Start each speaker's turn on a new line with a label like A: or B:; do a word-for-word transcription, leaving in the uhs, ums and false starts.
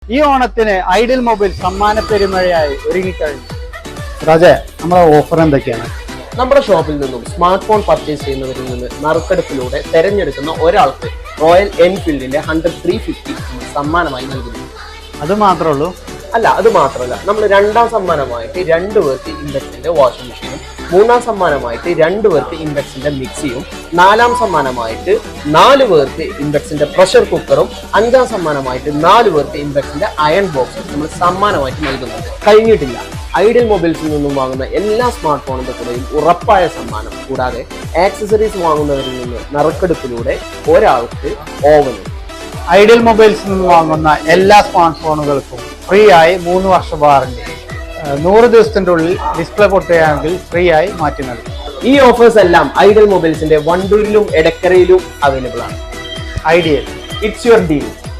A: ഈ ഓണത്തിന് idle mobile സമ്മാന പെരുമഴയായി ഒരുങ്ങിക്കഴിഞ്ഞു. രാജേ, നമ്മുടെ ഓഫർ എന്തൊക്കെയാണ്?
B: നമ്മുടെ ഷോപ്പിൽ നിന്നും സ്മാർട്ട് ഫോൺ പർച്ചേസ് ചെയ്യുന്നവരിൽ നിന്ന് നറുക്കെടുപ്പിലൂടെ തെരഞ്ഞെടുക്കുന്ന ഒരാൾക്ക് റോയൽ എൻഫീൽഡിന്റെ ഹൺഡ്രഡ് ത്രീ ഫിഫ്റ്റി സമ്മാനമായി നൽകുന്നു.
A: അത് മാത്രമേ ഉള്ളൂ?
B: അല്ല, അത് മാത്രമല്ല, നമ്മൾ രണ്ടാം സമ്മാനമായിട്ട് രണ്ടു പേർക്ക് ഇൻഡക്സിന്റെ വാഷിംഗ് മെഷീനും, മൂന്നാം സമ്മാനമായിട്ട് രണ്ടു പേർക്ക് ഇൻഡക്സിന്റെ മിക്സിയും, നാലാം സമ്മാനമായിട്ട് നാല് പേർക്ക് ഇൻഡക്സിന്റെ പ്രഷർ കുക്കറും, അഞ്ചാം സമ്മാനമായിട്ട് നാല് പേർക്ക് ഇൻഡക്സിന്റെ അയൺ ബോക്സും നമ്മൾ സമ്മാനമായിട്ട് നൽകുന്നുണ്ട്. കഴിഞ്ഞിട്ടില്ല, ഐഡിയൽ മൊബൈൽസിൽ നിന്നും വാങ്ങുന്ന എല്ലാ സ്മാർട്ട് ഫോണിന്റെ കൂടെയും ഉറപ്പായ സമ്മാനം. കൂടാതെ ആക്സസറീസ് വാങ്ങുന്നവരിൽ നിന്ന് നറുക്കെടുപ്പിലൂടെ ഒരാൾക്ക് ഓവനും.
A: ഐഡിയൽ മൊബൈൽസിൽ നിന്ന് വാങ്ങുന്ന എല്ലാ സ്മാർട്ട് ഫോണുകൾക്കും ഫ്രീ ആയി മൂന്ന് വർഷ വാറണ്ടി. നൂറ് ദിവസത്തിന്റെ ഉള്ളിൽ ഡിസ്പ്ലേ പൊട്ടുകയാണെങ്കിൽ ഫ്രീ ആയി മാറ്റി നൽകും.
B: ഈ ഓഫേഴ്സ് എല്ലാം ഐഡിയൽ മൊബൈൽസിന്റെ വണ്ടൂരിലും എടക്കരയിലും അവൈലബിൾ ആണ്.
A: Ideal,
B: it's your deal.